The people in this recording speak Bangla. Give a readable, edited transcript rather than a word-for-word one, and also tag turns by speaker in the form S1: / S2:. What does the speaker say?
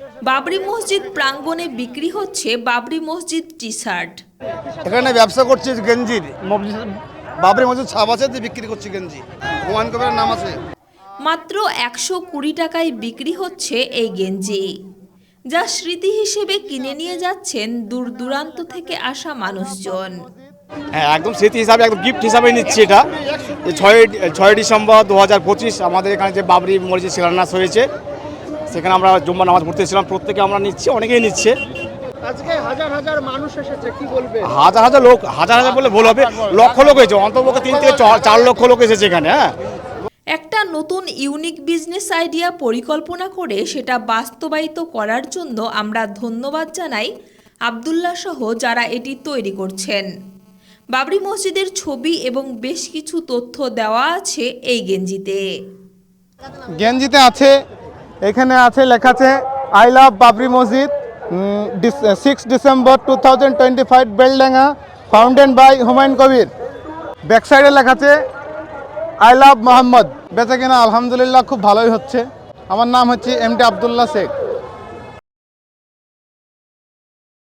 S1: বাবরি মসজিদ প্রাঙ্গণে বিক্রি হচ্ছে বাবরি মসজিদ টি শার্ট।
S2: এখানে ব্যবসা করছি গেঞ্জির, বাবরি মসজিদ ছাপ আছে, বিক্রি করছি গেঞ্জি, হুমায়ুন কবিরের নাম আছে।
S1: মাত্র 120 টাকায় বিক্রি হচ্ছে এই গেঞ্জি, যা স্মৃতি হিসেবে কিনে নিয়ে যাচ্ছেন দূর দূরান্ত থেকে আসা মানুষজন।
S3: হ্যাঁ, একদম স্মৃতি হিসাবে, একদম গিফট হিসাবে নিচ্ছি এটা। 6 ডিসেম্বর 2025 আমাদের এখানে যে বাবরি মসজিদ শিলান্যাস হয়েছে, সেখানে আমরা জুম্মা নামাজ পড়তেছিলাম, প্রত্যেকে আমরা নিচ্ছি, অনেকেই নিচ্ছে।
S4: আজকে হাজার হাজার মানুষ এসেছে, কি বলবে?
S3: হাজার হাজার লোক, হাজার হাজার বলে ভুল হবে, লক্ষ লোক হয়েছে, অন্তত 3 থেকে 4 লক্ষ লোক এসেছে এখানে। হ্যাঁ,
S1: একটা নতুন ইউনিক বিজনেস আইডিয়া পরিকল্পনা করে সেটা বাস্তবায়িত করার জন্য আমরা ধন্যবাদ জানাই আব্দুল্লাহ সহ যারা এটি তৈরি করছেন। বাবরি মসজিদের ছবি এবং বেশ কিছু তথ্য দেওয়া আছে এই গেঞ্জিতে।
S4: গেঞ্জিতে আছে, এখানে আছে লেখা আছে I love Babri Masjid, 6 December 2025 Beldanga, founded by Humayun Kabir. Back সাইডে লেখা আছে আই লাভ মোহাম্মদ। বেচা কিনা আলহামদুলিল্লাহ খুব ভালোই হচ্ছে। আমার নাম হচ্ছে এমডি আব্দুল্লাহ শেখ।